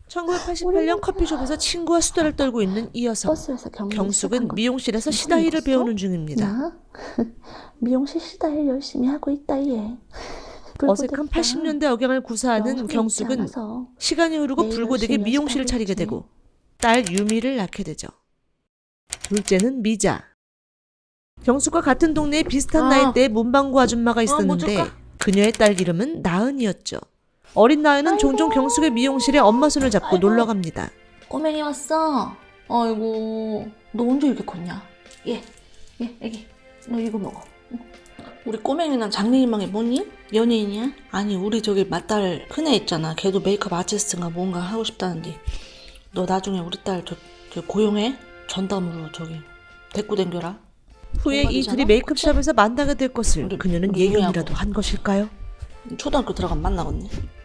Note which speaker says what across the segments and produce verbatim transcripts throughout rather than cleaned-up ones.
Speaker 1: 천구백팔십팔 년 커피숍에서 친구와 수다를 떨고 있는 이 여성.
Speaker 2: 버스에서
Speaker 1: 경숙은 미용실에서 시다일을 배우는 중입니다.
Speaker 2: 나? 미용실 시다일 열심히 하고 있다 얘.
Speaker 1: 어색한 팔십 년대 억양을 구사하는 경숙은 시간이 흐르고 불고되게 미용실을 차리게 되고 딸 유미를 낳게 되죠. 둘째는 미자. 경숙과 같은 동네에 비슷한
Speaker 2: 아.
Speaker 1: 나이대의 문방구 아줌마가 있었는데
Speaker 2: 뭐
Speaker 1: 그녀의 딸 이름은 나은이었죠. 어린 나은은 종종 경숙의 미용실에 엄마 손을 잡고
Speaker 2: 아이고.
Speaker 1: 놀러 갑니다.
Speaker 2: 꼬맹이 왔어. 아이고 너 언제 이렇게 컸냐? 얘, 얘 애기 너 이거 먹어. 응. 우리 꼬맹이랑 장래희망이 뭐니? 연예인이야? 아니 우리 저기 맏딸 큰애 있잖아. 걔도 메이크업 아티스트인가 뭔가 하고 싶다는데 너 나중에 우리 딸 저, 저 고용해? 전담으로 저기 데리고 댕겨라.
Speaker 1: 후에 이 둘이 메이크업샵에서 만나게 될 것을
Speaker 2: 우리
Speaker 1: 그녀는
Speaker 2: 우리
Speaker 1: 예견이라도 한 것일까요?
Speaker 2: 초등학교 들어가면 만나겠네.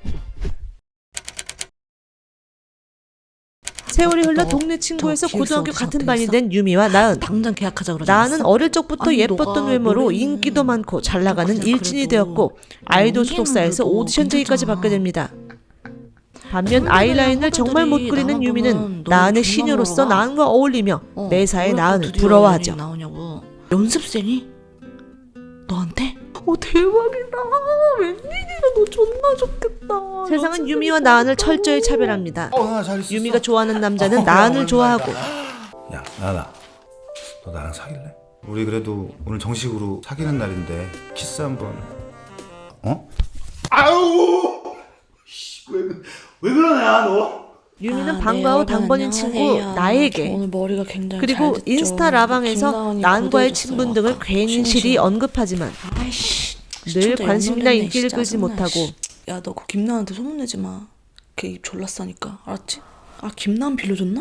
Speaker 1: 세월이 흘러
Speaker 2: 너,
Speaker 1: 동네 친구에서
Speaker 2: 저
Speaker 1: 고등학교
Speaker 2: 기획사
Speaker 1: 같은
Speaker 2: 어떻게
Speaker 1: 반이
Speaker 2: 했어?
Speaker 1: 된 유미와 나은.
Speaker 2: 당장 계약하자 그러지
Speaker 1: 나은은
Speaker 2: 않았어?
Speaker 1: 어릴 적부터
Speaker 2: 아니,
Speaker 1: 예뻤던
Speaker 2: 너가
Speaker 1: 외모로
Speaker 2: 노래는
Speaker 1: 인기도 많고 잘 나가는
Speaker 2: 그냥
Speaker 1: 일진이
Speaker 2: 그래도
Speaker 1: 되었고 아이돌
Speaker 2: 연기는
Speaker 1: 소속사에서
Speaker 2: 그래도
Speaker 1: 오디션 제의까지
Speaker 2: 괜찮잖아.
Speaker 1: 받게 됩니다. 반면 아이라인을 정말 못 그리는
Speaker 2: 나만
Speaker 1: 유미는
Speaker 2: 보면
Speaker 1: 나은의
Speaker 2: 너무
Speaker 1: 시녀로서
Speaker 2: 존나
Speaker 1: 나은과 어울리며
Speaker 2: 어,
Speaker 1: 매사에
Speaker 2: 왜 또
Speaker 1: 나은을
Speaker 2: 드디어
Speaker 1: 부러워하죠.
Speaker 2: 연예인 나오냐고. 연습생이? 너한테? 어 대박이다. 웬일이야 너 존나 좋겠다.
Speaker 1: 세상은 유미와 나은을 철저히 차별합니다.
Speaker 3: 어, 나 잘 있었어.
Speaker 1: 유미가 좋아하는 남자는
Speaker 3: 어,
Speaker 1: 나은을
Speaker 3: 오랜만이다.
Speaker 1: 좋아하고
Speaker 3: 야, 나나. 너 나랑 사귈래? 우리 그래도 오늘 정식으로 사귀는 날인데 키스 한번. 어? 아우! 씨, 왜, 그- 왜 그러냐, 너?
Speaker 1: 유미는
Speaker 2: 아,
Speaker 1: 방과 후
Speaker 2: 네,
Speaker 1: 당번인
Speaker 2: 여러분,
Speaker 1: 친구
Speaker 2: 안녕하세요. 저
Speaker 1: 나에게
Speaker 2: 오늘 머리가 굉장히
Speaker 1: 그리고
Speaker 2: 잘 됐죠.
Speaker 1: 인스타 라방에서
Speaker 2: 김나은이
Speaker 1: 나은과의
Speaker 2: 고대해줬어요.
Speaker 1: 친분 등을
Speaker 2: 아까.
Speaker 1: 괜시리
Speaker 2: 신신.
Speaker 1: 언급하지만
Speaker 2: 아이씨
Speaker 1: 늘
Speaker 2: 시청자
Speaker 1: 관심이나
Speaker 2: 연말이네,
Speaker 1: 인기를
Speaker 2: 진짜
Speaker 1: 끌지
Speaker 2: 짜증나,
Speaker 1: 못하고
Speaker 2: 씨. 야 너 그 김나은한테 소문내지 마. 걔 입 졸라 싸니까 알았지? 아 김나은 빌려줬나?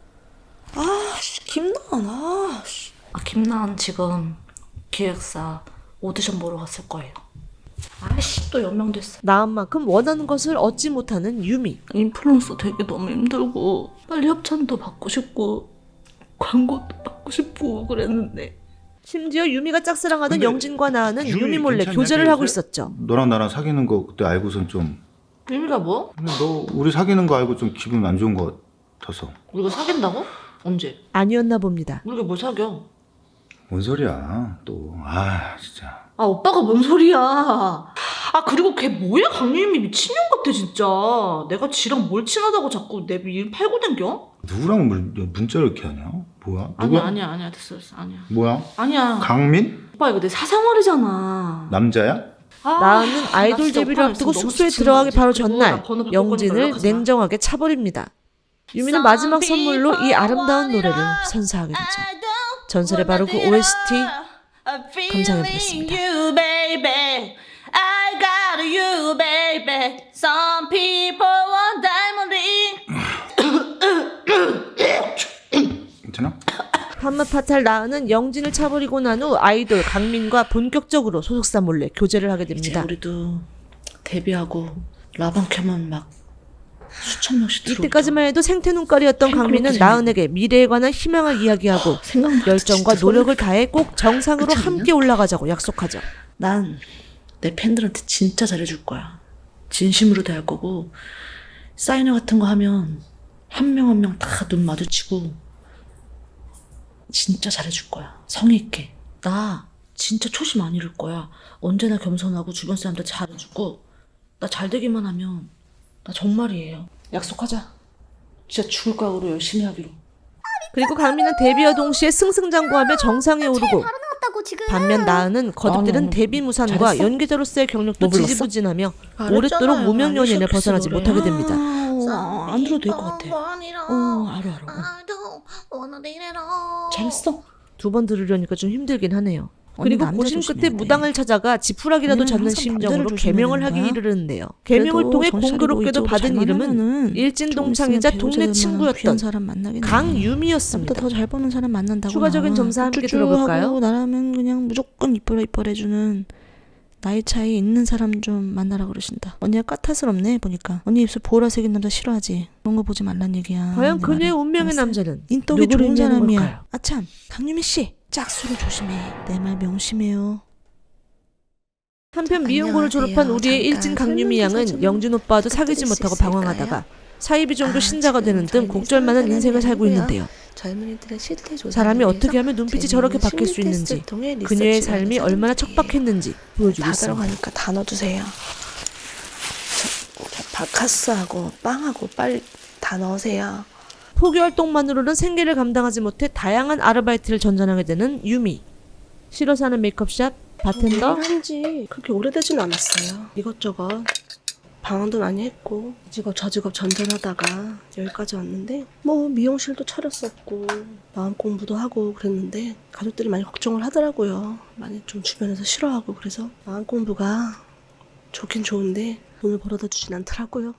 Speaker 2: 아 씨, 김나은 아 씨.
Speaker 4: 아, 김나은 지금 기획사 오디션 보러 갔을 거예요. 아이씨, 또 연명됐어.
Speaker 1: 나은만큼 원하는 것을 얻지 못하는 유미.
Speaker 4: 인플루언서 되기 너무 힘들고 빨리 협찬도 받고 싶고 광고도 받고 싶고 그랬는데
Speaker 1: 심지어 유미가 짝사랑하던
Speaker 3: 근데
Speaker 1: 영진과 나은은
Speaker 3: 유미
Speaker 1: 유미 몰래
Speaker 3: 괜찮냐,
Speaker 1: 교제를 하고
Speaker 3: 요새?
Speaker 1: 있었죠.
Speaker 3: 너랑 나랑 사귀는 거 그때 알고선 좀.
Speaker 4: 유미가 뭐?
Speaker 3: 근데 너 우리 사귀는 거 알고 좀 기분 안 좋은 거 같아서.
Speaker 4: 우리가 사귄다고? 언제?
Speaker 1: 아니었나 봅니다.
Speaker 4: 우리가 뭘 사겨?
Speaker 3: 뭔 소리야, 또. 아, 진짜.
Speaker 4: 아 오빠가 뭔 소리야. 아 그리고 걔 뭐야 강유미 미친년 같아 진짜. 내가 지랑 뭘 친하다고 자꾸 내 일 팔고 댕겨?
Speaker 3: 누구랑 문, 문자를 이렇게 하냐? 뭐야?
Speaker 4: 아니야
Speaker 3: 누가?
Speaker 4: 아니야 아니야 됐어 됐어 아니야
Speaker 3: 뭐야?
Speaker 4: 아니야.
Speaker 3: 강민?
Speaker 4: 오빠 이거 내 사생활이잖아.
Speaker 3: 남자야?
Speaker 4: 아,
Speaker 1: 나은은
Speaker 4: 나
Speaker 1: 아이돌
Speaker 4: 진짜
Speaker 1: 데뷔를
Speaker 4: 오빠랑
Speaker 1: 앞두고
Speaker 4: 있으면 너무
Speaker 1: 숙소에
Speaker 4: 지치는
Speaker 1: 들어가기
Speaker 4: 거지.
Speaker 1: 바로
Speaker 4: 그리고
Speaker 1: 전날
Speaker 4: 나 번호 바꿔
Speaker 1: 영진을
Speaker 4: 연락하지 마.
Speaker 1: 냉정하게 차버립니다. 유미는 마지막 선물로 이 아름다운 노래를 선사하게 되죠. 전설의 바로 그 오에스티 감상해보겠습니다.
Speaker 4: You, baby. I got you, baby. Some people want diamond ring.
Speaker 3: 괜찮아?
Speaker 1: 한마파탈 나은은 영진을 차버리고 난 후 아이돌 강민과 본격적으로 소속사 몰래 교제를 하게
Speaker 4: 이제
Speaker 1: 됩니다.
Speaker 4: 우리도 데뷔하고 라방 켜면 막 수천 명씩 들어오죠.
Speaker 1: 이때까지만 해도 생태눈깔이었던 강민은 나은에게 미래에 관한 희망을 이야기하고
Speaker 4: 생각만
Speaker 1: 열정과
Speaker 4: 진짜
Speaker 1: 노력을 다해 꼭 정상으로
Speaker 4: 그렇지 않냐?
Speaker 1: 함께 올라가자고 약속하죠.
Speaker 4: 난 내 팬들한테 진짜 잘해줄 거야. 진심으로 대할 거고 사인회 같은 거 하면 한 명 한 명 다 눈 마주치고 진짜 잘해줄 거야. 성의 있게. 나 진짜 초심 안 잃을 거야. 언제나 겸손하고 주변 사람들 잘해주고 나 잘되기만 하면 나 정말이에요. 약속하자. 진짜 죽을 각오로 열심히 하기로.
Speaker 1: 그리고 강민은 데뷔와 동시에 승승장구하며 정상에 오르고 반면 나은은 거듭들은
Speaker 4: 나는
Speaker 1: 데뷔 무산과
Speaker 4: 잘했어?
Speaker 1: 연기자로서의 경력도
Speaker 4: 뭐 불렀어?
Speaker 1: 지지부진하며
Speaker 4: 알았잖아요.
Speaker 1: 오랫도록 무명 연예인을
Speaker 4: 아니셨겠어,
Speaker 1: 벗어나지
Speaker 4: 노래.
Speaker 1: 못하게 됩니다.
Speaker 4: 아, 안 들어도 될 것 같아. 어, 알아 알아. 어. 잘했어.
Speaker 1: 두 번 들으려니까 좀 힘들긴 하네요.
Speaker 4: 언니
Speaker 1: 그리고
Speaker 4: 남자
Speaker 1: 고심
Speaker 4: 조심해야
Speaker 1: 끝에
Speaker 4: 돼.
Speaker 1: 무당을 찾아가 지푸라기라도
Speaker 4: 언니는
Speaker 1: 잡는
Speaker 4: 항상
Speaker 1: 심정으로
Speaker 4: 반대를 조심해야
Speaker 1: 개명을
Speaker 4: 되는
Speaker 1: 하기
Speaker 4: 거야.
Speaker 1: 이르는데요. 개명을 통해 공교롭게도 받은 이름은 일진 동창이자 동네 친구였던
Speaker 2: 사람 만나겠네.
Speaker 1: 강유미였습니다.
Speaker 2: 더 잘 버는 사람 만난다고.
Speaker 1: 추가적인 점사 함께 들어볼까요?
Speaker 2: 나라면 그냥 무조건 이뻐라 이뻐라 해주는 나이 차이 있는 사람 좀 만나라 그러신다. 언니가 까탈스럽네 보니까. 언니 입술 보라색인 남자 싫어하지. 그런 거 보지 말란 얘기야.
Speaker 1: 과연
Speaker 2: 내
Speaker 1: 그녀의
Speaker 2: 말은.
Speaker 1: 운명의
Speaker 2: 알았어요?
Speaker 1: 남자는
Speaker 2: 인덕이
Speaker 1: 누구를
Speaker 2: 좋은
Speaker 1: 의미하는
Speaker 2: 사람이야.
Speaker 1: 걸까요?
Speaker 2: 아참 강유미 씨 짝수를 조심해. 내 말 명심해요.
Speaker 1: 한편 미용고를 졸업한
Speaker 2: 안녕하세요.
Speaker 1: 우리의
Speaker 2: 잠깐
Speaker 1: 일진 강유미
Speaker 2: 설문조사
Speaker 1: 양은
Speaker 2: 좀
Speaker 1: 영준 오빠와도 사귀지
Speaker 2: 부탁드릴 수
Speaker 1: 못하고
Speaker 2: 있을까요?
Speaker 1: 방황하다가 사이비 종교
Speaker 5: 아,
Speaker 1: 신자가
Speaker 5: 지금
Speaker 1: 되는 등
Speaker 5: 저희는
Speaker 1: 곡절만한
Speaker 5: 이상한
Speaker 1: 인생을 살고
Speaker 5: 사람이
Speaker 1: 있는데요.
Speaker 5: 젊은이들의 실태 조사
Speaker 1: 사람이 어떻게 하면 눈빛이 저렇게 바뀔 수 있는지, 그녀의 삶이 얼마나 척박했는지 보여주고
Speaker 5: 다
Speaker 1: 있습니다.
Speaker 5: 들어가니까 다 넣어주세요. 저, 저 바카스하고 빵하고 빨리 다 넣으세요.
Speaker 1: 포기 활동만으로는 생계를 감당하지 못해 다양한 아르바이트를 전전하게 되는 유미. 싫어서 하는 메이크업샵, 바텐더,
Speaker 5: 한지 그렇게 오래되진 않았어요. 이것저것 방황도 많이 했고 이 직업 저 직업 전전하다가 여기까지 왔는데 뭐 미용실도 차렸었고 마음 공부도 하고 그랬는데 가족들이 많이 걱정을 하더라고요. 많이 좀 주변에서 싫어하고 그래서 마음 공부가 좋긴 좋은데 돈을 벌어다 주진 않더라고요.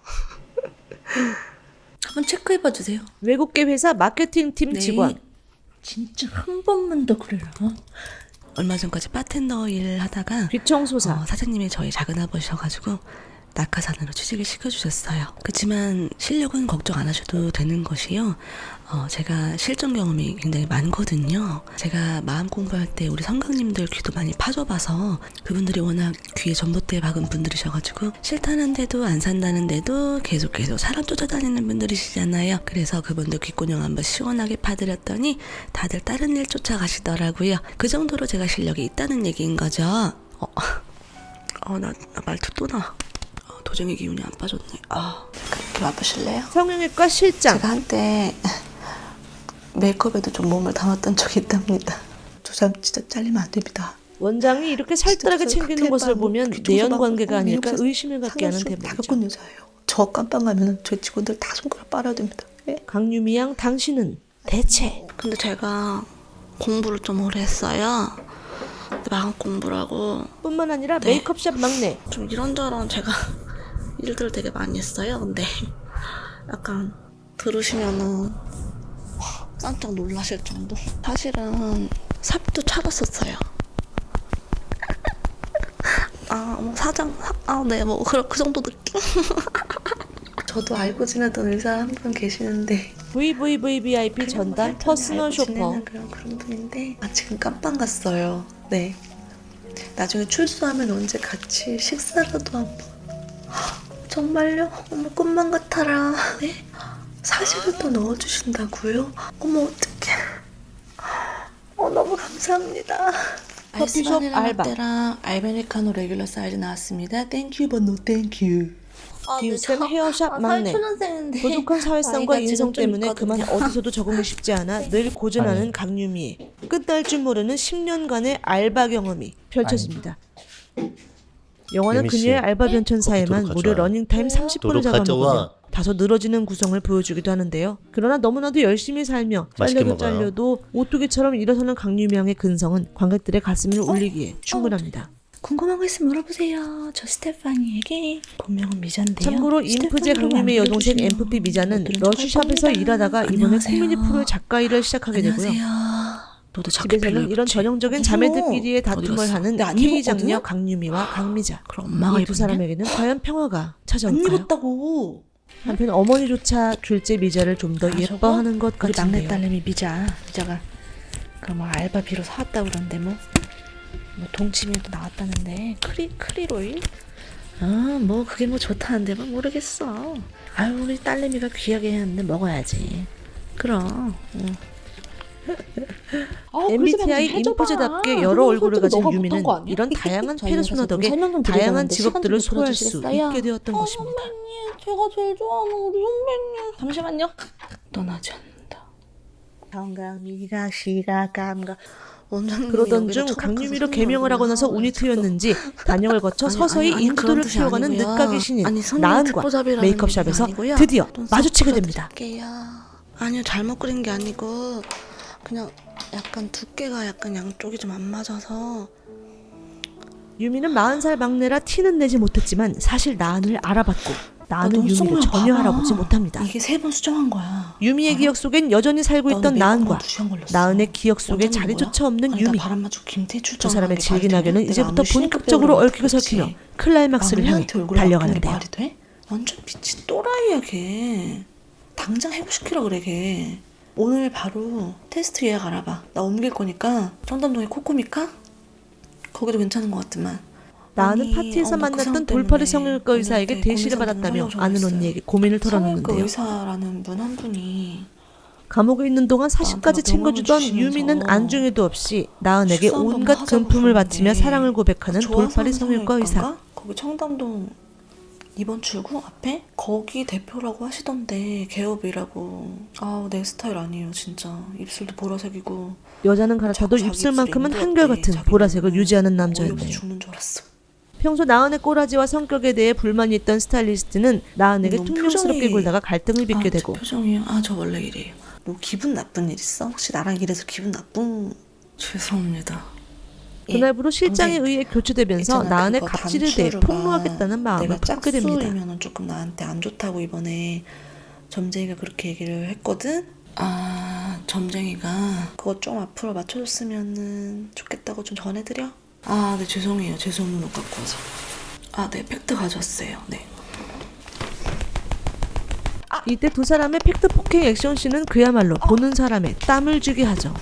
Speaker 2: 한번 체크해봐 주세요.
Speaker 1: 외국계 회사 마케팅팀
Speaker 2: 네.
Speaker 1: 직원.
Speaker 2: 진짜 한 번만 더 그래라. 어?
Speaker 5: 얼마 전까지 바텐더 일 하다가
Speaker 1: 귀청소사.
Speaker 5: 어, 사장님이 저희 작은아버지셔가지고 낙하산으로 취직을 시켜주셨어요. 그렇지만 실력은 걱정 안 하셔도 되는 것이요. 어, 제가 실전 경험이 굉장히 많거든요. 제가 마음 공부할 때 우리 성강님들 귀도 많이 파줘봐서 그분들이 워낙 귀에 전봇대 박은 분들이셔가지고 싫다는데도 안 산다는데도 계속 계속 사람 쫓아다니는 분들이시잖아요. 그래서 그분들 귓구녕 한번 시원하게 파드렸더니 다들 다른 일 쫓아가시더라고요. 그 정도로 제가 실력이 있다는 얘기인 거죠. 어, 어 나, 나 말투 또 나. 어, 도정의 기운이 안 빠졌네. 아, 이렇게 와보실래요?
Speaker 1: 성형외과 실장.
Speaker 5: 제가 한때 메이크업에도 좀 몸을 담았던 적이 있답니다. 저 사람 진짜 잘리면 안 됩니다.
Speaker 1: 원장이 이렇게 살뜰하게
Speaker 5: 진짜
Speaker 1: 챙기는 것을
Speaker 5: 칵테일
Speaker 1: 보면
Speaker 5: 바르고
Speaker 1: 내연
Speaker 5: 귀청소
Speaker 1: 관계가
Speaker 5: 받고
Speaker 1: 아닐까
Speaker 5: 미용실
Speaker 1: 의심을 갖게 하는
Speaker 5: 상가수를 다
Speaker 1: 대목이죠.
Speaker 5: 겪은 여자예요. 저 깜빵 가면 저희 직원들 다 손가락 빨아야 됩니다. 네?
Speaker 1: 강유미 양, 당신은 대체
Speaker 5: 근데 제가 공부를 좀 오래 했어요. 마음 공부라고
Speaker 1: 뿐만 아니라
Speaker 5: 네.
Speaker 1: 메이크업샵 막내.
Speaker 5: 좀 이런저런 제가 일들을 되게 많이 했어요. 근데 약간 들으시면은 깜짝 놀라실 정도. 사실은 삽도 차렸었어요. 아, 뭐 사장, 아, 네, 뭐 그, 그 정도 느낌. 저도 알고 지내던 의사 한 분 계시는데
Speaker 1: 브이브이브이브이아이피 전담 퍼스널 쇼퍼.
Speaker 5: 지내는 그런 그런 분인데 아 지금 깜빵 갔어요. 네. 나중에 출소하면 언제 같이 식사라도 한번. 정말요? 어머 꿈만 같아라. 네? 사진을 또 넣어주신다고요? 어머 어떡해. 어 너무 감사합니다.
Speaker 1: 커피숍 알바.
Speaker 5: 라떼랑 알베리카노 레귤러 사이즈 나왔습니다. 땡큐 but no 땡큐.
Speaker 1: 김쌤 헤어샵 막내. 부족한 사회성과 인성 때문에 그만 어디서도 적응이 쉽지 않아 늘 고전하는 강유미의 끝날 줄 모르는 십 년간의 알바 경험이 펼쳐집니다. 영화는
Speaker 6: 유미 씨,
Speaker 1: 그녀의 알바 변천사에만
Speaker 6: 커피
Speaker 1: 무려
Speaker 6: 가져와요.
Speaker 1: 러닝타임 삼십 분을
Speaker 6: 노력
Speaker 1: 잡아먹으며
Speaker 6: 가져와.
Speaker 1: 다소 늘어지는 구성을 보여주기도 하는데요. 그러나 너무나도 열심히 살며
Speaker 6: 맛있게
Speaker 1: 잘려도
Speaker 6: 먹어요.
Speaker 1: 잘려도 오뚜기처럼 일어서는 강유미 양의 근성은 관객들의 가슴을 울리기에 충분합니다.
Speaker 2: 궁금한 거 있으면 물어보세요. 저 스테파니에게 본명은 미자인데요.
Speaker 1: 참고로 인프제 강유미의 여동생 엠프피 미자는 러쉬샵에서 일하다가 이번에
Speaker 2: 안녕하세요.
Speaker 1: 코미디 프로의 작가 일을 시작하게 되고요.
Speaker 2: 너도 자꾸
Speaker 1: 집에서는 이런 전형적인 자매들끼리의 다툼을 하는
Speaker 2: 안
Speaker 1: K
Speaker 2: 입었거든요?
Speaker 1: 장녀 강유미와 강미자.
Speaker 2: 그럼 엄마가
Speaker 1: 이 두
Speaker 2: 입었냐?
Speaker 1: 사람에게는 과연 평화가
Speaker 2: 안
Speaker 1: 찾아올까요?
Speaker 2: 입었다고.
Speaker 1: 한편 어머니조차 둘째 미자를 좀 더
Speaker 2: 아,
Speaker 1: 예뻐하는 것
Speaker 2: 우리 막내
Speaker 1: 같은데요.
Speaker 2: 딸내미 미자. 미자가 그럼 뭐 알바비로 사왔다 그러는데 뭐, 뭐 동치미도 나왔다는데 크리 크리로일? 아 뭐 그게 뭐 좋다는데 뭐 모르겠어. 아유 우리 딸내미가 귀하게 했는데 먹어야지. 그럼. 응.
Speaker 1: 엠비티아이 인프제답게 여러 얼굴을 가진 유미는 이런 다양한 페르소나 덕에 다양한 직업들을 소화할 수 있게 되었던 것입니다.
Speaker 2: 제가 제일 좋아하는 우리 선배님. 잠시만요. 떠나지 않는다.
Speaker 5: 정강미가 시가감가
Speaker 1: 그러던 중 강유미로 개명을 하고 나서 운이 트였는지 단역을 거쳐
Speaker 5: 아니,
Speaker 1: 서서히
Speaker 5: 아니, 아니,
Speaker 1: 인구도를
Speaker 5: 그런 뜻이
Speaker 1: 키워가는
Speaker 5: 아니고요.
Speaker 1: 늦가기 신인
Speaker 5: 아니, 손님
Speaker 1: 나은과
Speaker 5: 특보잡이라는
Speaker 1: 메이크업샵에서
Speaker 5: 의미가 아니고요.
Speaker 1: 드디어
Speaker 5: 좀
Speaker 1: 마주치게
Speaker 5: 섞어서
Speaker 1: 됩니다.
Speaker 5: 드릴게요. 아니요 잘못 그린 게 아니고 그냥 약간 두께가 약간 양쪽이 좀 안 맞아서.
Speaker 1: 유미는 마흔 살 막내라 티는 내지 못했지만 사실 나은을 알아봤고 나은은
Speaker 5: 아,
Speaker 1: 유미를
Speaker 5: 눈썹을
Speaker 1: 전혀
Speaker 5: 봐봐.
Speaker 1: 알아보지 못합니다.
Speaker 2: 이게 세 번 수정한 거야.
Speaker 1: 유미의 기억 속엔 여전히 살고 있던 나은과 나은의 기억 속에 자리조차 없는 유미.
Speaker 2: 바람 맞고 김태출
Speaker 1: 두 사람의 질기나게는 이제부터 본격적으로 얽히고 설키며 클라이막스를 향해 달려가는데요.
Speaker 2: 말이 돼? 완전 미친 또라이야 걔. 당장 해고시키라 그래 걔. 오늘 바로 테스트 예약 알아봐. 나 옮길 거니까 청담동에 코코미카? 거기도 괜찮은 것 같지만
Speaker 1: 나은은
Speaker 2: 아니,
Speaker 1: 파티에서
Speaker 2: 어, 나그
Speaker 1: 만났던
Speaker 2: 사람
Speaker 1: 돌팔이
Speaker 2: 때문에
Speaker 1: 성형외과 의사에게
Speaker 2: 언니한테
Speaker 1: 대시를
Speaker 2: 고민
Speaker 1: 받았다며
Speaker 2: 상담
Speaker 1: 아는
Speaker 2: 전화했어요.
Speaker 1: 언니에게 고민을
Speaker 2: 성형외과
Speaker 1: 털어놓는데요.
Speaker 2: 의사라는 분 한 분이
Speaker 1: 감옥에 있는 동안 사식까지
Speaker 2: 나한테 막
Speaker 1: 챙겨주던
Speaker 2: 병원을
Speaker 1: 유미는
Speaker 2: 주시면서
Speaker 1: 안중에도 없이 나은에게
Speaker 2: 식사 한 번만
Speaker 1: 온갖
Speaker 2: 하자고
Speaker 1: 금품을
Speaker 2: 그러는데
Speaker 1: 바치며 사랑을 고백하는
Speaker 2: 좋아서
Speaker 1: 돌팔이
Speaker 2: 하는
Speaker 1: 성형외과 의사.
Speaker 2: 성형외과인가? 거기 청담동 이번 출구 앞에 거기 대표라고 하시던데 개업이라고. 아우 내 스타일 아니에요 진짜. 입술도 보라색이고
Speaker 1: 여자는 갈아타도
Speaker 2: 자기
Speaker 1: 입술만큼은
Speaker 2: 입술에
Speaker 1: 한결같은
Speaker 2: 인도했대,
Speaker 1: 보라색을
Speaker 2: 자기는.
Speaker 1: 유지하는
Speaker 2: 어이없어
Speaker 1: 남자였네요.
Speaker 2: 죽는 줄 알았어.
Speaker 1: 평소 나은의 꼬라지와 성격에 대해 불만이 있던 스타일리스트는 나은에게
Speaker 2: 너무
Speaker 1: 퉁명스럽게
Speaker 2: 표정이-
Speaker 1: 굴다가 갈등을 빚게
Speaker 2: 아,
Speaker 1: 되고
Speaker 2: 저 표정이요? 아 저 원래 이래요. 뭐 기분 나쁜 일 있어? 혹시 나랑 이래서 기분 나쁜? 죄송합니다.
Speaker 1: 그날부로 실장에
Speaker 2: 근데
Speaker 1: 의해 교체되면서
Speaker 2: 있잖아,
Speaker 1: 나은의
Speaker 2: 그거
Speaker 1: 갑질에 대해
Speaker 2: 단추루가
Speaker 1: 폭로하겠다는 마음을
Speaker 2: 내가
Speaker 1: 품게 됩니다.
Speaker 2: 짝수이면은 조금 나한테 안 좋다고 이번에 점쟁이가 그렇게 얘기를 했거든. 아 점쟁이가 그거 좀 앞으로 맞춰줬으면은 좋겠다고 좀 전해드려. 아 네 죄송해요. 제 소문을 갖고 와서. 아 네 팩트 가져왔어요. 네.
Speaker 1: 이때 두 사람의 팩트 폭행 액션씬은 그야말로 보는 사람의 땀을 쥐게 하죠.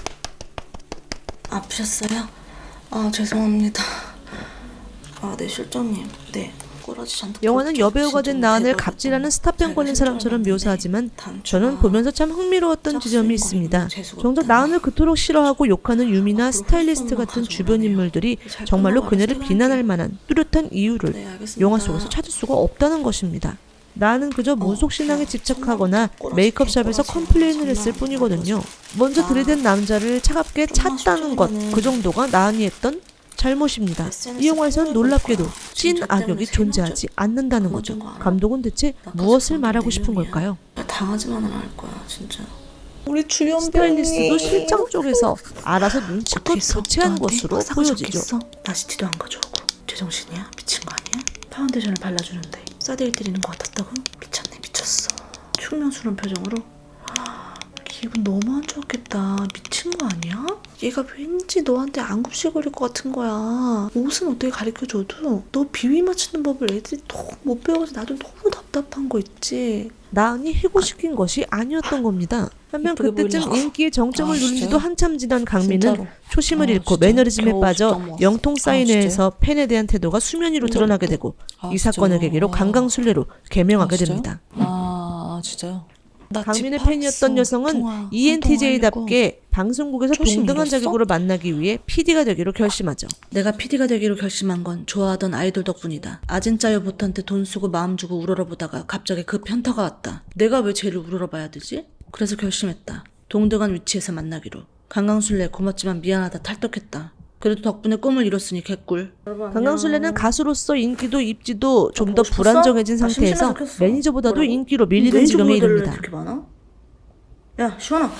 Speaker 2: 아프셨어요? 아 죄송합니다. 아 네 실장님. 네. 꼬라지 잔뜩
Speaker 1: 영화는
Speaker 2: 겹쳐-
Speaker 1: 여배우가 된
Speaker 2: 진짜
Speaker 1: 나은을
Speaker 2: 대박이고.
Speaker 1: 갑질하는 스타병 걸린
Speaker 2: 제가
Speaker 1: 사람처럼
Speaker 2: 실장이었는데
Speaker 1: 묘사하지만
Speaker 2: 단추가
Speaker 1: 저는 보면서 참 흥미로웠던
Speaker 2: 짝수인
Speaker 1: 지점이
Speaker 2: 거
Speaker 1: 있습니다.
Speaker 2: 보면 재수가
Speaker 1: 정작
Speaker 2: 없다니.
Speaker 1: 나은을 그토록 싫어하고 욕하는 유미나
Speaker 2: 앞으로
Speaker 1: 스타일리스트
Speaker 2: 홀수만
Speaker 1: 같은
Speaker 2: 가져오라네요.
Speaker 1: 주변 인물들이
Speaker 2: 잘
Speaker 1: 정말로
Speaker 2: 끝나고
Speaker 1: 그녀를
Speaker 2: 알아서
Speaker 1: 비난할 만한 뚜렷한 이유를
Speaker 2: 네, 알겠습니다.
Speaker 1: 영화 속에서 찾을 수가 없다는 것입니다. 나는 그저 모속신앙에
Speaker 2: 어,
Speaker 1: 집착하거나
Speaker 2: 꼬라지,
Speaker 1: 메이크업샵에서
Speaker 2: 꼬라지,
Speaker 1: 컴플레인을 했을
Speaker 2: 장난
Speaker 1: 뿐이거든요. 먼저
Speaker 2: 아,
Speaker 1: 들이댄 남자를 차갑게
Speaker 2: 정말
Speaker 1: 찼다는 것,
Speaker 2: 실장이면은
Speaker 1: 그 정도가 나은이 했던 잘못입니다. 이 영화에선 놀랍게도 찐 악역이 존재하지 않는다는 거죠. 감독은 대체 무엇을 말하고 싶은 걸까요?
Speaker 2: 당하지만은 않을 거야 진짜. 우리 주연
Speaker 1: 스타일리스트도 실장 쪽에서 알아서 눈치껏 교체한 것으로 보여지죠.
Speaker 2: 나시티도 안 가져오고 제정신이야? 미친 거 아니야? 파운데이션을 발라주는데 싸대기 때리는 것 같았다고? 미쳤네 미쳤어. 흉명스러운 표정으로 기분 너무 안 좋았겠다. 미친 거 아니야? 얘가 왠지 너한테 안굽시거릴 것 같은 거야. 옷은 어떻게 가르쳐줘도 너 비위 맞추는 법을 애들이 너무 못 배워서 나도 너무 답답한 거 있지.
Speaker 1: 나은이 해고시킨 것이 아니었던 겁니다. 한편
Speaker 2: 이쁘게
Speaker 1: 그때쯤
Speaker 2: 보이려고.
Speaker 1: 인기의 정점을
Speaker 2: 아,
Speaker 1: 누린 지도
Speaker 2: 진짜요?
Speaker 1: 한참 지난 강민은
Speaker 2: 진짜로.
Speaker 1: 초심을
Speaker 2: 아,
Speaker 1: 잃고
Speaker 2: 진짜?
Speaker 1: 매너리즘에
Speaker 2: 겨우
Speaker 1: 빠져
Speaker 2: 진짜 모았어.
Speaker 1: 영통
Speaker 2: 아,
Speaker 1: 사인회에서 팬에 대한 태도가 수면 위로
Speaker 2: 근데
Speaker 1: 드러나게
Speaker 2: 또-
Speaker 1: 되고
Speaker 2: 아,
Speaker 1: 이 사건을
Speaker 2: 진짜요?
Speaker 1: 계기로
Speaker 2: 아.
Speaker 1: 강강술래로 개명하게
Speaker 2: 아, 진짜요?
Speaker 1: 됩니다.
Speaker 2: 아, 아 진짜요? 나
Speaker 1: 강민의
Speaker 2: 집
Speaker 1: 팬이었던
Speaker 2: 팔았어.
Speaker 1: 여성은
Speaker 2: 통화,
Speaker 1: 이엔티제이답게 방송국에서
Speaker 2: 초심
Speaker 1: 동등한
Speaker 2: 잃었어?
Speaker 1: 자격으로 만나기 위해 피디가 되기로 결심하죠.
Speaker 4: 내가 피디가 되기로 결심한 건 좋아하던 아이돌 덕분이다. 아진짜요 보트한테 돈 쓰고 마음 주고 우러러보다가 갑자기 그 편타가 왔다. 내가 왜 쟤를 우러러봐야 되지? 그래서 결심했다. 동등한 위치에서 만나기로. 강강술래 고맙지만 미안하다 탈덕했다. 그래도 덕분에 꿈을 이뤘으니 개꿀.
Speaker 1: 강강술래는 가수로서 인기도 입지도 좀 더
Speaker 4: 보고 싶었어?
Speaker 1: 불안정해진
Speaker 4: 아,
Speaker 1: 상태에서
Speaker 4: 심심해서 켰어.
Speaker 1: 매니저보다도
Speaker 4: 뭐라고?
Speaker 1: 인기로 밀리는
Speaker 4: 매니저
Speaker 1: 지경에
Speaker 4: 모델을
Speaker 1: 이릅니다.
Speaker 4: 그렇게 많아? 야 시원아.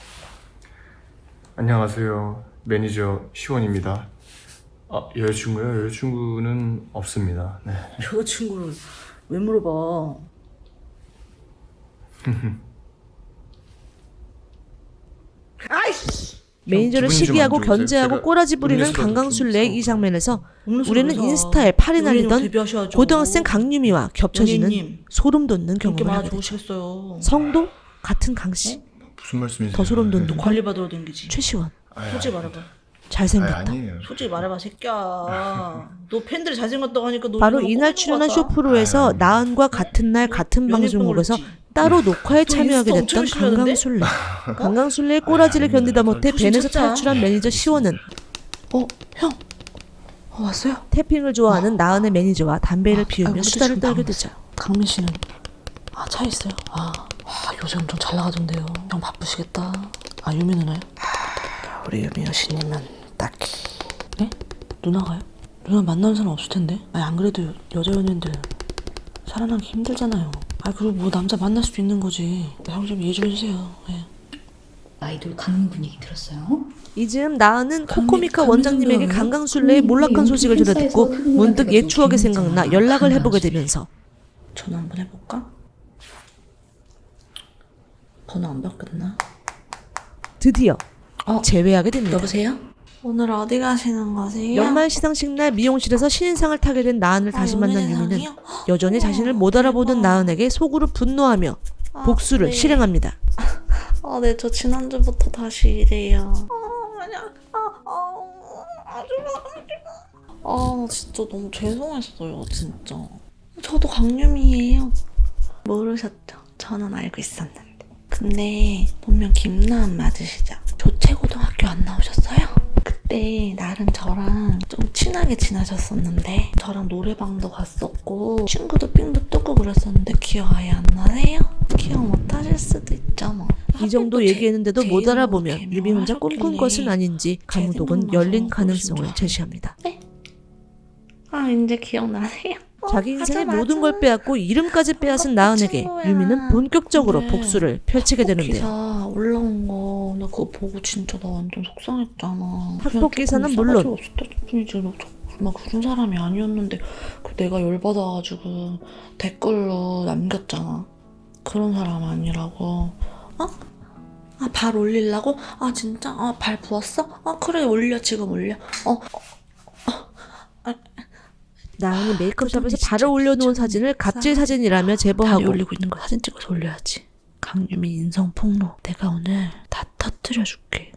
Speaker 6: 안녕하세요. 매니저 시원입니다. 아, 여자친구요? 여자친구는 없습니다. 네.
Speaker 4: 여자친구를 왜 물어봐?
Speaker 1: 매니저를
Speaker 6: 기분이 좀안
Speaker 1: 시기하고
Speaker 6: 좋으세요?
Speaker 1: 견제하고
Speaker 6: 제가
Speaker 1: 꼬라지 부리는
Speaker 6: 음료수라도 좀
Speaker 1: 강강술래의 이
Speaker 6: 사올까요?
Speaker 1: 장면에서
Speaker 4: 없는 소리
Speaker 1: 우리는
Speaker 4: 하자.
Speaker 1: 인스타에 팔이
Speaker 4: 연예인으로
Speaker 1: 날리던
Speaker 4: 데뷔하셔야죠.
Speaker 1: 고등학생 강유미와 겹쳐지는
Speaker 4: 연예인님.
Speaker 1: 소름 돋는
Speaker 4: 인기
Speaker 1: 경험을
Speaker 4: 많아
Speaker 1: 하게 되죠.
Speaker 4: 좋으시겠어요.
Speaker 1: 성도 같은 강씨,
Speaker 3: 무슨 말씀이세요?
Speaker 1: 더 소름 돋는
Speaker 4: 관리 받으러 댕기지.
Speaker 1: 최시원,
Speaker 3: 아이,
Speaker 4: 솔직히 말해봐.
Speaker 1: 잘생겼다.
Speaker 3: 아이, 아니에요.
Speaker 4: 솔직히 말해봐 새끼야. 너 팬들이 잘생겼다고 하니까 너
Speaker 1: 바로
Speaker 4: 이거는
Speaker 1: 이날
Speaker 4: 꼽는
Speaker 1: 출연한
Speaker 4: 거 같아.
Speaker 1: 쇼프로에서
Speaker 3: 아유.
Speaker 1: 나은과 같은 날 같은
Speaker 4: 연예병
Speaker 1: 방송국에서
Speaker 4: 걸렸지.
Speaker 1: 따로 녹화에
Speaker 4: 너
Speaker 1: 참여하게
Speaker 4: 인스타 엄청
Speaker 1: 됐던
Speaker 4: 열심히 하던데?
Speaker 1: 강강술래. 강강술래의 꼬라지를
Speaker 3: 아유,
Speaker 1: 견디다
Speaker 3: 아닙니다.
Speaker 1: 못해
Speaker 4: 조심
Speaker 1: 벤에서
Speaker 4: 찾자.
Speaker 1: 탈출한 매니저 시원은
Speaker 2: 어 형. 어 왔어요?
Speaker 1: 태핑을 좋아하는 나은의 매니저와 담배를
Speaker 2: 아,
Speaker 1: 피우며
Speaker 2: 아이고,
Speaker 1: 수다를
Speaker 2: 지금
Speaker 1: 떨게
Speaker 2: 나오네.
Speaker 1: 되죠.
Speaker 2: 강민 씨는 아 차에 있어요? 아, 아 요새 엄청 잘 나가던데요. 형 바쁘시겠다. 아 유미 누나요? 아, 우리 유미 여신님은 딱히 네? 누나가요? 누나 만나는 사람 없을 텐데. 아니 안 그래도 여자 연예인들 살아나기 힘들잖아요. 아 그리고 뭐 남자 만날 수도 있는 거지. 형 좀 이해 좀 해주세요. 예.
Speaker 7: 아이돌 강민 분위기 들었어요?
Speaker 1: 이즈음 나은은
Speaker 2: 강민-
Speaker 1: 코코미카
Speaker 2: 강민
Speaker 1: 원장님에게
Speaker 2: 누나예요?
Speaker 1: 강강술래의 몰락한 소식을 들어듣고 문득 옛 추억이 생각나 연락을 해보게 되면서
Speaker 2: 전화 한번 해볼까? 번호 안 바뀌었나?
Speaker 1: 드디어
Speaker 2: 어,
Speaker 1: 재회하게 됩니다.
Speaker 2: 여보세요? 오늘 어디 가시는 거세요?
Speaker 1: 연말 시상식 날 미용실에서 신인상을 타게 된 나은을 다시
Speaker 2: 아,
Speaker 1: 만난
Speaker 2: 연예인
Speaker 1: 유미는
Speaker 2: 상이요?
Speaker 1: 여전히 자신을 못 알아보던
Speaker 2: 대박.
Speaker 1: 나은에게 속으로 분노하며
Speaker 2: 아,
Speaker 1: 복수를
Speaker 2: 네.
Speaker 1: 실행합니다.
Speaker 2: 아, 네, 저 지난주부터 다시 이래요. 아, 아니야. 아, 아, 아주 아, 아 진짜 너무 죄송했어요 진짜. 저도 강유미예요. 모르셨죠? 저는 알고 있었는데. 근데 본명 김나은 맞으시죠? 조채고등학교 안 나오셨어요? 그때 나름 저랑 좀 친하게 지나셨었는데 저랑 노래방도 갔었고 친구도 삥도 뜯고 그랬었는데 기억 아예 안 나세요? 기억 못 하실 수도 있죠 뭐.
Speaker 1: 이 정도
Speaker 2: 하필 또
Speaker 1: 얘기했는데도
Speaker 2: 제-
Speaker 1: 못
Speaker 2: 제
Speaker 1: 알아보면
Speaker 2: 이름으로
Speaker 1: 유미 혼자 꿈꾼
Speaker 2: 개명을
Speaker 1: 것은
Speaker 2: 하셨길래
Speaker 1: 아닌지
Speaker 2: 제
Speaker 1: 강호동은
Speaker 2: 생각나서
Speaker 1: 열린
Speaker 2: 그러신
Speaker 1: 가능성을
Speaker 2: 줄
Speaker 1: 제시합니다.
Speaker 2: 아 이제 기억나세요? 어,
Speaker 1: 자기 인생의
Speaker 2: 맞아,
Speaker 1: 모든
Speaker 2: 맞아.
Speaker 1: 걸 빼앗고 이름까지 빼앗은 나은에게
Speaker 2: 친구야.
Speaker 1: 유미는 본격적으로
Speaker 2: 그래.
Speaker 1: 복수를 펼치게 되는데요.
Speaker 2: 기사 올라온 거 나 그거 보고 진짜 나 완전 속상했잖아.
Speaker 1: 학폭 기사는
Speaker 2: 그냥
Speaker 1: 물론
Speaker 2: 조금 싸가지 없었다 뿐이지 막, 막 그런 사람이 아니었는데 그 내가 열받아가지고 댓글로 남겼잖아. 그런 사람 아니라고. 어? 아 발 올리려고? 아 진짜? 아 발 부었어? 아 그래 올려 지금 올려. 어
Speaker 1: 나은이 메이크업샵에서
Speaker 2: 진짜
Speaker 1: 발을 올려놓은
Speaker 2: 진짜
Speaker 1: 사진을 갑질
Speaker 2: 싸가지.
Speaker 1: 사진이라며
Speaker 2: 다리
Speaker 1: 제보하고
Speaker 2: 올리고 있는 거 사진 찍어서 올려야지. 강유미 인성 폭로. 내가 오늘 다 터뜨려줄게.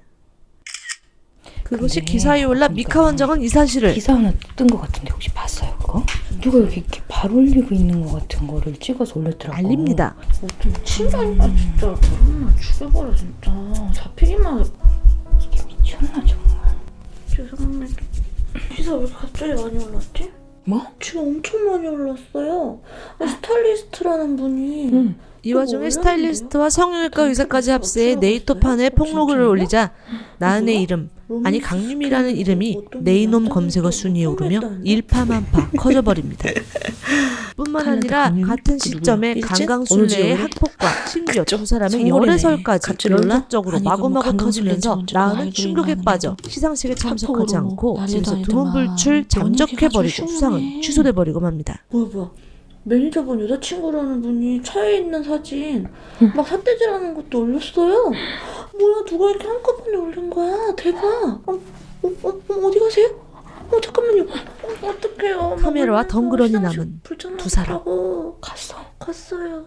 Speaker 1: 그것이
Speaker 7: 근데
Speaker 1: 기사에 올라
Speaker 7: 보니까
Speaker 1: 미카 원장은 이 사실을
Speaker 7: 기사 하나 뜬 것 같은데 혹시 봤어요 그거? 누가 이렇게, 이렇게 발 올리고 있는 것 같은 거를 찍어서 올렸더라고.
Speaker 1: 알립니다.
Speaker 2: 어좀 친다니까 진짜. 그러면 죽여버려 진짜. 잡히기만 해.
Speaker 7: 이게 미쳤나 정말.
Speaker 2: 죄송합니다. 기사 왜 갑자기 많이 올랐지?
Speaker 7: 뭐?
Speaker 2: 지금 엄청 많이 올랐어요. 아, 스타일리스트라는 분이
Speaker 7: 응.
Speaker 1: 이 와중에 스타일리스트와 성형외과 의사까지 합세해 네이터판에 폭로글을 올리자 나은의 이름, 아니 강유미라는 이름이 네이놈 검색어 순위에 오르며 일파만파 커져버립니다. 뿐만 아니라 같은 시점에 강강술래의 학폭과 심지어 두 사람의 열애설까지 연속적으로 마구마구 터지면서 나은은 충격에 빠져 시상식에 참석하지 않고 집에서 두문불출 잠적해버리고 수상은 취소돼버리고 맙니다.
Speaker 2: 뭐야 뭐야. 매니저분 여자친구라는 분이 차에 있는 사진 막 삿대질하는 것도 올렸어요. 뭐야 누가 이렇게 한꺼번에 올린 거야. 대박. 어, 어, 어, 어, 어디 가세요? 어 잠깐만요. 어, 어떡해요.
Speaker 1: 카메라와
Speaker 2: 막
Speaker 1: 덩그러니
Speaker 2: 시상식
Speaker 1: 남은
Speaker 2: 불편하다고.
Speaker 1: 두 사람.
Speaker 2: 갔어. 갔어요.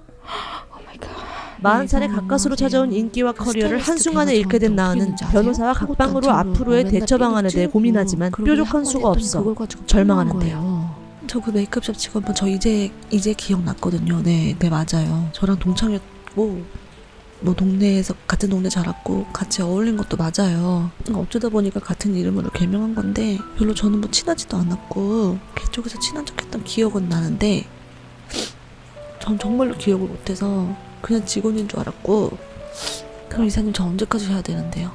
Speaker 1: 마흔 살에 가까스로 찾아온 인기와 커리어를 한순간에 잃게 된 나은은 변호사와 각방으로 앞으로의 대처 방안에 대해 고민하지만 뾰족한 수가 없어 절망하는데요.
Speaker 5: 저 그 메이크업샵 직원분 저 이제 이제 기억났거든요. 네, 네 맞아요. 저랑 동창이었고 뭐 동네에서 같은 동네 자랐고 같이 어울린 것도 맞아요. 어쩌다 보니까 같은 이름으로 개명한 건데 별로 저는 뭐 친하지도 않았고 그쪽에서 친한 척했던 기억은 나는데 전 정말로 기억을 못해서 그냥 직원인 줄 알았고. 그럼 이사님 저 언제까지 해야 되는데요?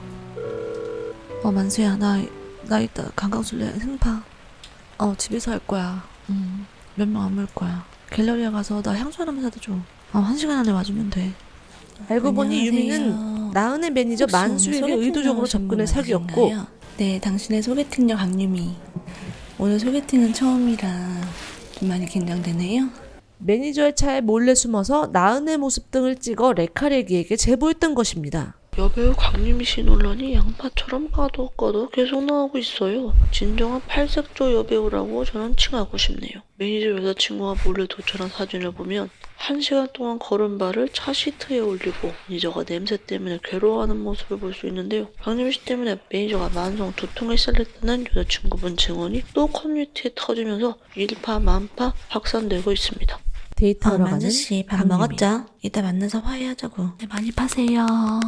Speaker 5: 어 만수야 나 나 이따 강강술래 생파 어 집에서 할 거야. 음, 몇 명 안 물 거야. 갤러리에 가서 나 향수 하나만 사다 줘. 어, 한 시간 안에 와주면 돼.
Speaker 1: 알고 보니
Speaker 5: 안녕하세요.
Speaker 1: 유미는 나은의 매니저
Speaker 5: 혹시 오늘
Speaker 1: 만수에게
Speaker 5: 소개팅
Speaker 1: 의도적으로
Speaker 5: 나오신
Speaker 1: 접근해
Speaker 5: 분
Speaker 1: 사귀었고
Speaker 5: 맞으신가요? 네, 당신의 소개팅녀 강유미. 오늘 소개팅은 처음이라 좀 많이 긴장되네요.
Speaker 1: 매니저의 차에 몰래 숨어서 나은의 모습 등을 찍어 레카레기에게 제보했던 것입니다.
Speaker 2: 여배우 강유미 씨 논란이 양파처럼 까덕까덕 계속 나오고 있어요. 진정한 팔색조 여배우라고 저는 칭하고 싶네요. 매니저 여자친구와 몰래 도촬한 사진을 보면 한 시간 동안 걸은 발을 차 시트에 올리고 매니저가 냄새 때문에 괴로워하는 모습을 볼 수 있는데요. 강유미 씨 때문에 매니저가 만성 두통에 시달렸다는 여자친구분 증언이 또 커뮤니티에 터지면서 일파만파 확산되고 있습니다.
Speaker 1: 데이트하러 가는
Speaker 5: 만수씨 밥
Speaker 1: 강유미.
Speaker 5: 먹었죠? 이따 만나서 화해하자고. 네, 많이 파세요.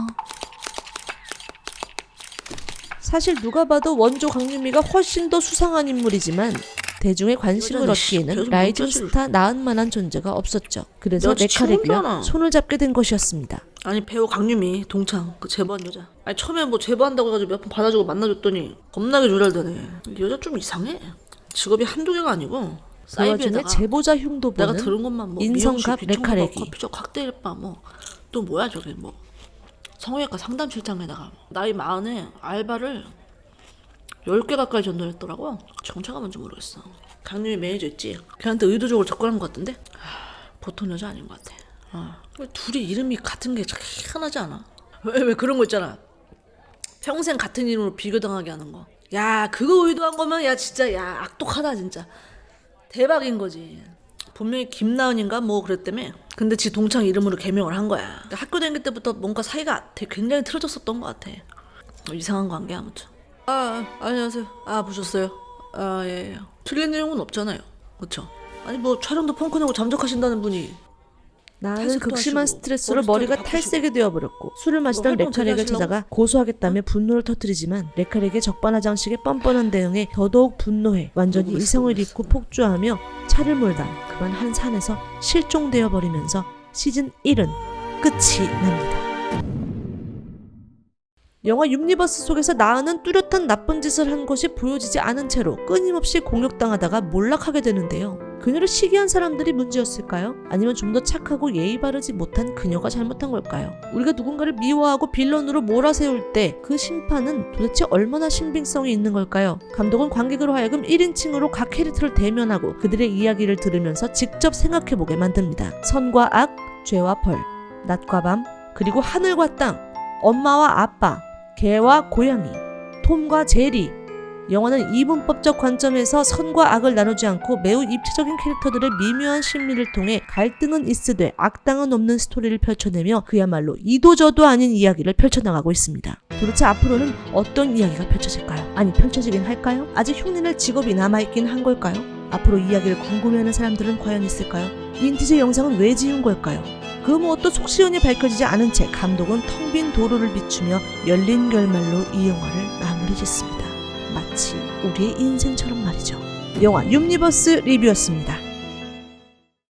Speaker 1: 사실 누가 봐도 원조 강유미가 훨씬 더 수상한 인물이지만 대중의 관심을
Speaker 2: 여자는 씨,
Speaker 1: 얻기에는
Speaker 2: 계속
Speaker 1: 라이징
Speaker 2: 여자를-
Speaker 1: 스타 나은만한 존재가 없었죠. 그래서
Speaker 2: 여자
Speaker 1: 레카레기와
Speaker 2: 친구잖아.
Speaker 1: 손을 잡게 된 것이었습니다.
Speaker 2: 아니 배우 강유미 동창 그 제보한 여자. 아니 처음에 뭐 제보한다고 해가지고 몇 번 받아주고 만나줬더니 겁나게 조잘되네. 이 여자 좀 이상해. 직업이 한두 개가 아니고
Speaker 1: 그 와중에
Speaker 2: 사이비에다가
Speaker 1: 제보자 흉도
Speaker 2: 내가
Speaker 1: 보는
Speaker 2: 들은 것만 뭐
Speaker 1: 인성갑
Speaker 2: 미용실,
Speaker 1: 레카레기.
Speaker 2: 비청소밥, 커피숍, 칵테일바 뭐 또 뭐야 저게 뭐 성형외과 상담실장에다가 나이 마흔에 알바를 열 개 가까이 전달했더라고요. 정체가 뭔지 모르겠어. 강유미 매니저 있지? 걔한테 의도적으로 접근한 것 같은데 하, 보통 여자 아닌 것 같아. 어. 왜 둘이 이름이 같은 게 참 희한하지 않아? 왜, 왜 그런 거 있잖아. 평생 같은 이름으로 비교당하게 하는 거. 야 그거 의도한 거면 야 진짜 야 악독하다 진짜. 대박인 거지. 분명히 김나은인가 뭐 그랬다며. 근데 지 동창 이름으로 개명을 한 거야. 그러니까 학교 다닐 때부터 뭔가 사이가 되게 굉장히 틀어졌었던 것 같아. 어, 이상한 관계 아무튼. 아, 아 안녕하세요. 아 보셨어요?
Speaker 1: 아, 예. 틀린 내용은 없잖아요. 그쵸? 아니, 뭐, 촬영도 펑크 내고 잠적하신다는 분이. 나는
Speaker 2: 탈색도
Speaker 1: 극심한
Speaker 2: 하시고,
Speaker 1: 스트레스로
Speaker 2: 머리
Speaker 1: 머리가
Speaker 2: 스타일도
Speaker 1: 탈색이 되어버렸고 술을 마시던
Speaker 2: 활동
Speaker 1: 레카렉을
Speaker 2: 되게 하시려고?
Speaker 1: 찾아가 고소하겠다며 분노를 터뜨리지만 레카렉의 적반하장식의 뻔뻔한 대응에 더더욱 분노해 완전히
Speaker 2: 누구
Speaker 1: 이성을
Speaker 2: 있어,
Speaker 1: 잃고 폭주하며 차를 몰다 그만 한 산에서 실종되어 버리면서 시즌 일은 끝이 납니다. 영화 유니버스 속에서 나은은 뚜렷한 나쁜 짓을 한 것이 보여지지 않은 채로 끊임없이 공격당하다가 몰락하게 되는데요. 그녀를 시기한 사람들이 문제였을까요? 아니면 좀 더 착하고 예의 바르지 못한 그녀가 잘못한 걸까요? 우리가 누군가를 미워하고 빌런으로 몰아세울 때 그 심판은 도대체 얼마나 신빙성이 있는 걸까요? 감독은 관객으로 하여금 일 인칭으로 각 캐릭터를 대면하고 그들의 이야기를 들으면서 직접 생각해보게 만듭니다. 선과 악, 죄와 벌, 낮과 밤, 그리고 하늘과 땅, 엄마와 아빠, 개와 고양이, 톰과 제리. 영화는 이분법적 관점에서 선과 악을 나누지 않고 매우 입체적인 캐릭터들의 미묘한 심리를 통해 갈등은 있으되 악당은 없는 스토리를 펼쳐내며 그야말로 이도저도 아닌 이야기를 펼쳐나가고 있습니다. 도대체 앞으로는 어떤 이야기가 펼쳐질까요? 아니, 펼쳐지긴 할까요? 아직 흉내낼 직업이 남아있긴 한 걸까요? 앞으로 이야기를 궁금해하는 사람들은 과연 있을까요? 윈티지 영상은 왜 지은 걸까요? 그 무엇도 속시원히 밝혀지지 않은 채 감독은 텅 빈 도로를 비추며 열린 결말로 이 영화를 마무리 짓습니다. 마치 우리의 인생처럼 말이죠. 영화 유니버스 리뷰였습니다.